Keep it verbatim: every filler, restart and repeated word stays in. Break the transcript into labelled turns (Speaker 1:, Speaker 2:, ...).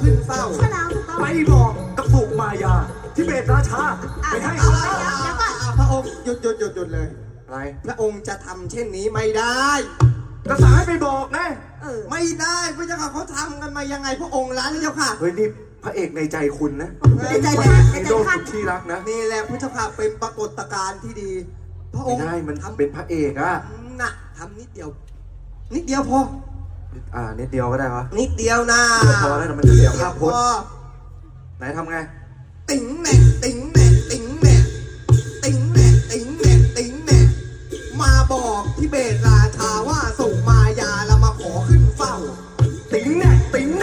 Speaker 1: ขึ้นเฝ้า
Speaker 2: ใช่แล้วถูกต้อง
Speaker 3: ไปบอกกับสุมายาที่เบตราชาไปให้
Speaker 2: เอา
Speaker 3: เขา
Speaker 2: เดี๋ยวเดี๋ยวก่อน
Speaker 1: พระองค์หยุดหยุดหยุดหยุดเลย
Speaker 3: อะไร
Speaker 1: พระองค์จะทำเช่นนี้ไม่ได้
Speaker 3: ก็สั่งให้ไปบอกนะ
Speaker 2: เออ
Speaker 1: ไม่ได้พระเจ้าค่ะเขาทำกันมายังไงพระองค์ร้านเจ้าค่ะ
Speaker 3: เฮ้ยนี่พระเอกในใจคุณนะ
Speaker 2: ในใจท่านใน
Speaker 3: ใน
Speaker 2: ใจ
Speaker 3: โลก
Speaker 2: ท่าน
Speaker 3: ที่รักนะ
Speaker 1: นี่แหละพระเจ้าค่ะเป็นปรากฏการณ์ที่ดี พระอ
Speaker 3: ไม่
Speaker 1: งค์
Speaker 3: ได้มัน
Speaker 1: ทำ
Speaker 3: เป็นพระเอกอะ
Speaker 1: น่ะทำนิดเดียว นิดเดียวพอ
Speaker 3: อ่านิดเดียวก็ได้วะ
Speaker 1: นิดเดียวนะ
Speaker 3: พอแล้วนะมันจะเสียภาพพ
Speaker 1: พ
Speaker 3: จ
Speaker 1: อ
Speaker 3: น์ไหนทำไง
Speaker 1: ติ๋งแหน่ติ๋งแหน่ติ๋งแหน่ติ๋งแหน่ติ๋งแหน่ติ๋งแหน่มาบอกที่เบตราชาว่าส่งมายาแล้วมาขอขึ้นเฝ้า
Speaker 3: ติ๋งแน่ติ๋งแน่